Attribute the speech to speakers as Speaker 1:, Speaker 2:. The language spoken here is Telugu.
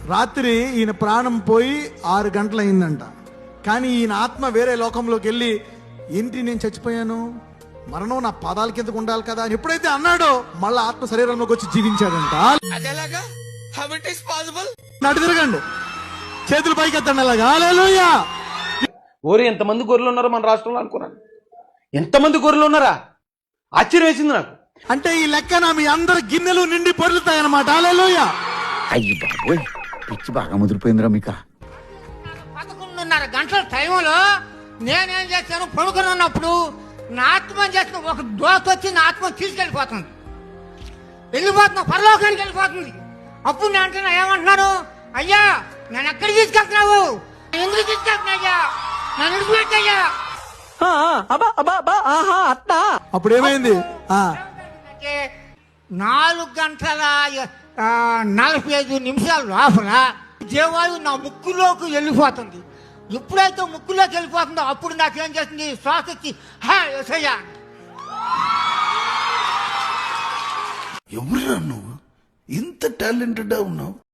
Speaker 1: రాత్రి ఈయన ప్రాణం పోయి 6 గంటలు అయిందంట. కానీ ఈయన ఆత్మ వేరే లోకంలోకి వెళ్ళి, ఏంటి నేను చచ్చిపోయాను, మరణం నా పాదాల కిందకు ఉండాలి కదా అని ఎప్పుడైతే అన్నాడో మళ్ళీ ఆత్మ శరీరంలోకి వచ్చి జీవించాడంట. నడు తిరగండి, చేతులు పైకి ఎత్తండి అలాగా. హల్లెలూయా.
Speaker 2: ఓరి ఎంతమంది గొర్రెలు ఉన్నారో మన రాష్ట్రంలో అనుకున్నాను. ఎంతమంది గొర్రెలు ఉన్నారా, ఆశ్చర్యం వేసింది నాకు.
Speaker 1: అంటే ఈ లెక్కన మీ అందరి గిన్నెలు నిండి పొర్లుతాయి అన్నమాట. హల్లెలూయా.
Speaker 3: అయ్యి బాబోయ్, పిచ్చి బాగా ముదిరిపోయిందిరా మీకు.
Speaker 4: 11:30 గంటల టైంలో నేనేం చేశాను, పడుకుని ఉన్నప్పుడు నా ఆత్మ చేసిన ఒక దోత వచ్చి నా ఆత్మ తీసుకెళ్ళిపోతుంది, పరలోకానికి వెళ్ళిపోతుంది. అప్పుడు నేను అంటున్నా, ఏమంటున్నాను, అయ్యా నేను ఎక్కడికి తీసుకెళ్తున్నావు, ఎందుకు తీసుకెళ్తున్నా అయ్యా, నన్ను విడిచిపెట్టయ్యా.
Speaker 1: అప్పుడు ఏమైంది?
Speaker 4: 4:45 లోపల దేవాయు నా ముక్కులోకి వెళ్ళిపోతుంది. ఎప్పుడైతే ముక్కులోకి వెళ్ళిపోతుందో అప్పుడు నాకేం చేస్తుంది, శ్వాస వచ్చి యేసయ్యా.
Speaker 5: ఎవరురా నువ్వు, ఇంత టాలెంటెడ్ ఉన్నావు?